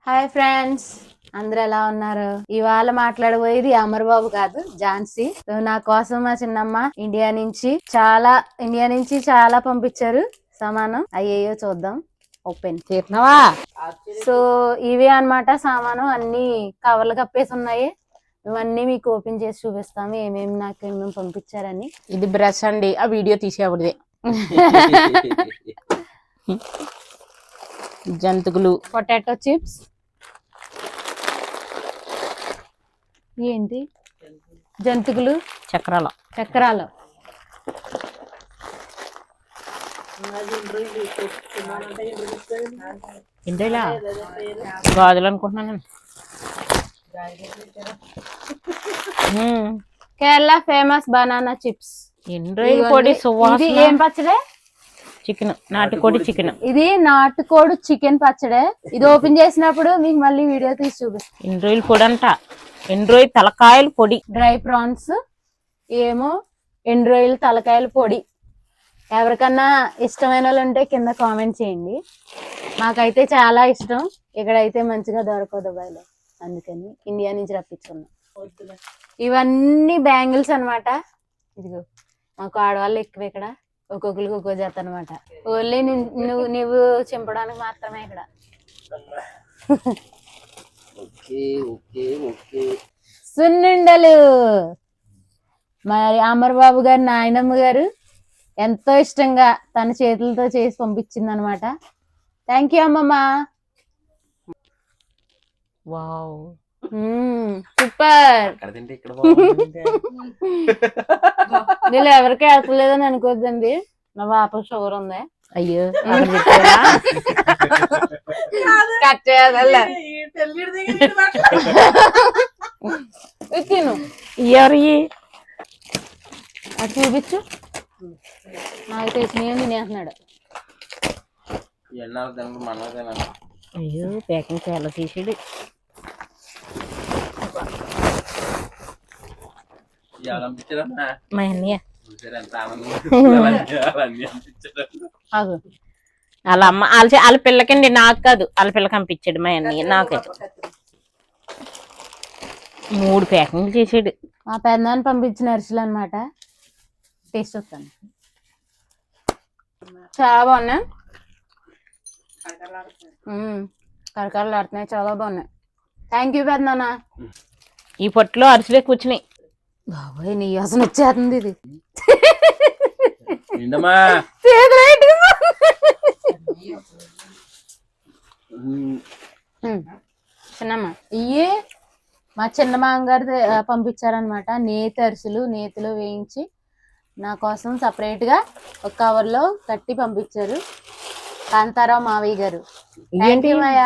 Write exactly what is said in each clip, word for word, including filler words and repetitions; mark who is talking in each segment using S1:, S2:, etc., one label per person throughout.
S1: Hi friends, అందరూ ఎలా ఉన్నారు? ఇవాళ మాట్లాడబోయేది అమర్బాబు కాదు, ఝాన్సీ. సో నా కోసం మా చిన్నమ్మ ఇండియా నుంచి చాలా ఇండియా నుంచి చాలా పంపించారు సామానం. అయ్యయ్యో చూద్దాం. ఓపెన్
S2: చేసినావా?
S1: సో ఇవే అన్నమాట సామాను. అన్ని కవర్లు కప్పేసి ఉన్నాయి. ఇవన్నీ మీకు ఓపెన్ చేసి చూపిస్తాము ఏమేమి నాకు ఏమేమి పంపించారని.
S2: ఇది బ్రష్ అండి, ఆ వీడియో తీసేవాడిదే. జంతుకులు,
S1: పొటాటో చిప్స్, ఏంటి జంతుకులు,
S2: చక్రాల
S1: చక్రాలు,
S2: ఇంతేలా గాజులు అనుకుంటున్నాను.
S1: Kerala famous banana chips.
S2: ఎన్ని రోజులు పొడి
S1: ఇది ఏం పచ్చడే?
S2: చికెన్, నాటుకోడి చికెన్.
S1: ఇది నాటుకోడి చికెన్ పచ్చడే. ఇది ఓపెన్ చేసినప్పుడు మీకు మళ్ళీ వీడియో తీసి చూపిస్తాను.
S2: ఎన్ని రోజులు పొడి అంట, ఎన్ని రోజులు తలకాయలు పొడి.
S1: డ్రై ప్రాన్స్ ఏమో, ఎండు రొయ్యలు తలకాయల పొడి. ఎవరికన్నా ఇష్టమైన వాళ్ళు ఉంటే కింద కామెంట్ చేయండి. మాకైతే చాలా ఇష్టం. ఇక్కడైతే మంచిగా దొరకదు దుబాయ్లో, అందుకని ఇండియా నుంచి రప్పించుకున్నాం. ఇవన్నీ బ్యాంగిల్స్ అనమాట. ఇదిగో మాకు ఆడవాళ్ళు ఎక్కువ ఇక్కడ, ఒక్కొక్కరికి ఒక్కో చేత అనమాట. ఓన్లీ నువ్వు నువ్వు చింపడానికి మాత్రమే ఇక్కడ. సున్నుండలు మరి అమర్బాబు గారు నాయనమ్మ గారు ఎంతో ఇష్టంగా తన చేతులతో చేసి పంపించింది అనమాట. థ్యాంక్ యూ అమ్మమ్మ.
S2: Wow,
S1: super. వీళ్ళు ఎవరికి వెళ్తలేదని అనుకోద్దండి, నా పాప షుగర్ ఉంది.
S2: అయ్యో
S1: కట్ చేయాలి. తిను,
S2: ఎవరి
S1: అది చూపించు. నాకు తెలిసిన తినేస్తున్నాడు.
S2: అయ్యో ప్యాకింగ్ చాలా తీసాడు. మా అన్నయ్య వాళ్ళ అమ్మ వాళ్ళ వాళ్ళ పిల్లకండి, నాకు కాదు, వాళ్ళ పిల్లకి పంపించాడు మా అన్నయ్య. నాకైతే మూడు ప్యాకింగ్లు చేసాడు.
S1: మా పెద్దనాన్ని పంపించిన అరిసెలు అనమాట. టేస్ట్ వస్తాను. చాలా బాగున్నాయి, కరకరలు ఆడుతున్నాయి, చాలా బాగున్నాయి. థ్యాంక్ యూ పెద్దనాన్న.
S2: ఈ పొట్టులో అరిసెలే కూర్చున్నాయి.
S1: బాబాయ్ నీ అసలు వచ్చేస్తుంది ఇది. చిన్నమ్మ ఇయ్యే మా చిన్న మామగారు పంపించారనమాట. నేతి అరిసెలు నేతిలో వేయించి నా కోసం సపరేట్ గా ఒక కవర్ లో కట్టి పంపించారు కాంతారావు మావయ్య గారు. ఏంటి మాయా,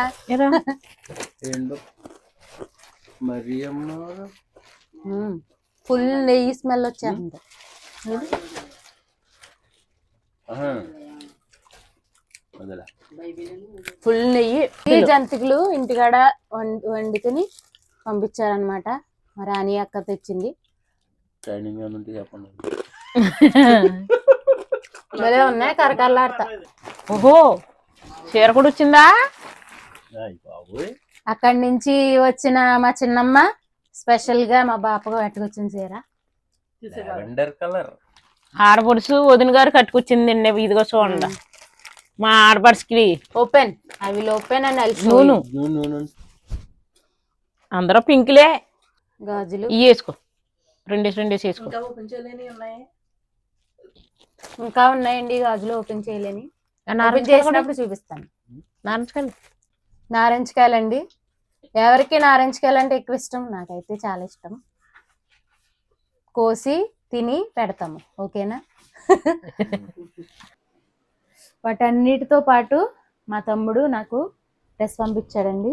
S1: ఫుల్ నెయ్యి స్మెల్ వచ్చేస్తుంది. ఫుల్ నెయ్యి. ఈ జంతికలు ఇంటికాడ వండుకుని పంపించారనమాట. మా రాణి అక్క తెచ్చింది. భలే ఉన్నాయి, కరకరలాడతా.
S2: ఓహో, చీర కూడా వచ్చిందా?
S1: అక్కడి నుంచి వచ్చిన మా చిన్నమ్మ స్పెషల్ గా మా బాపగా పెట్టుకొచ్చిన చీర.
S2: ఆడపడుసు వదిన గారు కట్టుకొచ్చిందండి. ఇదిగో చూడండి, మా ఆడపడుచుకి.
S1: ఓపెన్ అవి ఓపెన్ అని
S2: నూనె అందరూ పింక్లే.
S1: గాజులు
S2: ఇవి వేసుకో, రెండేసి రెండేసి వేసుకో.
S1: ఇంకా ఉన్నాయండి గాజులు ఓపెన్ చేయలేని. ఓపెన్ చేసినప్పుడు చూపిస్తాను.
S2: నారింజకాయలు
S1: నారింజకాయలండి. ఎవరికి నారింజకాయలు అంటే ఎక్కువ ఇష్టం, నాకైతే చాలా ఇష్టం. కోసి తిని పెడతాము, ఓకేనా? వాటన్నిటితో పాటు మా తమ్ముడు నాకు డ్రెస్ పంపించాడండి.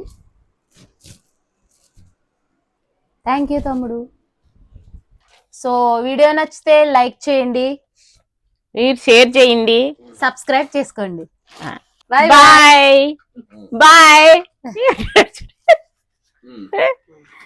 S1: థ్యాంక్ యూ తమ్ముడు. సో వీడియో నచ్చితే లైక్ చేయండి,
S2: మీరు షేర్ చేయండి,
S1: సబ్స్క్రైబ్ చేసుకోండి.
S2: Bye bye bye.